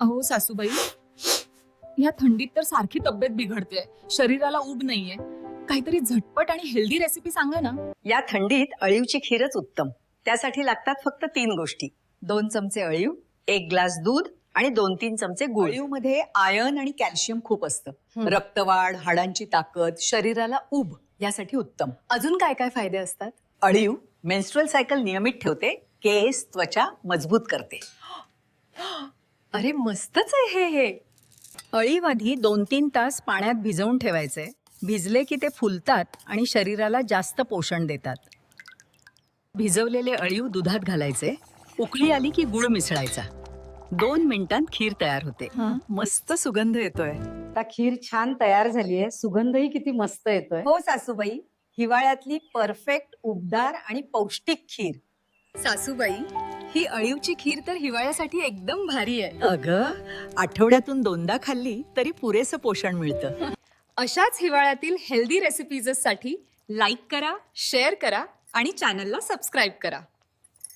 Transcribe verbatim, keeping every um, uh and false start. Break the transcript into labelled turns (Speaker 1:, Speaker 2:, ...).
Speaker 1: अहो सासूबाई, ह्या थंडीत तर सारखी तब्येत बिघडते, शरीराला उब नाहीये. काहीतरी झटपट आणि हेल्दी रेसिपी सांगा ना.
Speaker 2: या थंडीत अळीवची खीरच उत्तम. त्यासाठी लागतात फक्त तीन गोष्टी: दोन चमचे अळीव, एक ग्लास दूध आणि दोन तीन चमचे गुळ.
Speaker 3: अळीव मध्ये आयर्न आणि कॅल्शियम खूप असतं. रक्तवाढ, हाडांची ताकद, शरीराला उब यासाठी उत्तम.
Speaker 1: अजून काय काय फायदे असतात?
Speaker 2: अळीव मेन्स्ट्रुअल सायकल नियमित ठेवते, केस त्वचा मजबूत करते.
Speaker 1: अरे मस्तच आहे हे हे
Speaker 3: अळीव आधी दोन तीन तास पाण्यात भिजवून ठेवायचे. भिजले की ते फुलतात आणि शरीराला जास्त पोषण देतात. भिजवलेले अळीव दुधात घालायचे. उकळी आली की गुळ मिसळायचा. दोन मिनिटांत खीर तयार होते. मस्त सुगंध येतोय.
Speaker 4: आता खीर छान तयार झालीये, सुगंधही किती मस्त येतोय.
Speaker 3: हो सासूबाई, हिवाळ्यातली परफेक्ट उबदार आणि पौष्टिक खीर.
Speaker 1: सासूबाई, ही अळीवची खीर तर हिवाळ्यासाठी एकदम भारी आहे.
Speaker 3: अगं, आठवड्यातून दोनदा खाल्ली तरी पुरेसं पोषण मिळतं.
Speaker 1: अशाच हिवाळ्यातील हेल्दी रेसिपीजसाठी लाईक करा, शेअर करा आणि चॅनलला सबस्क्राईब करा.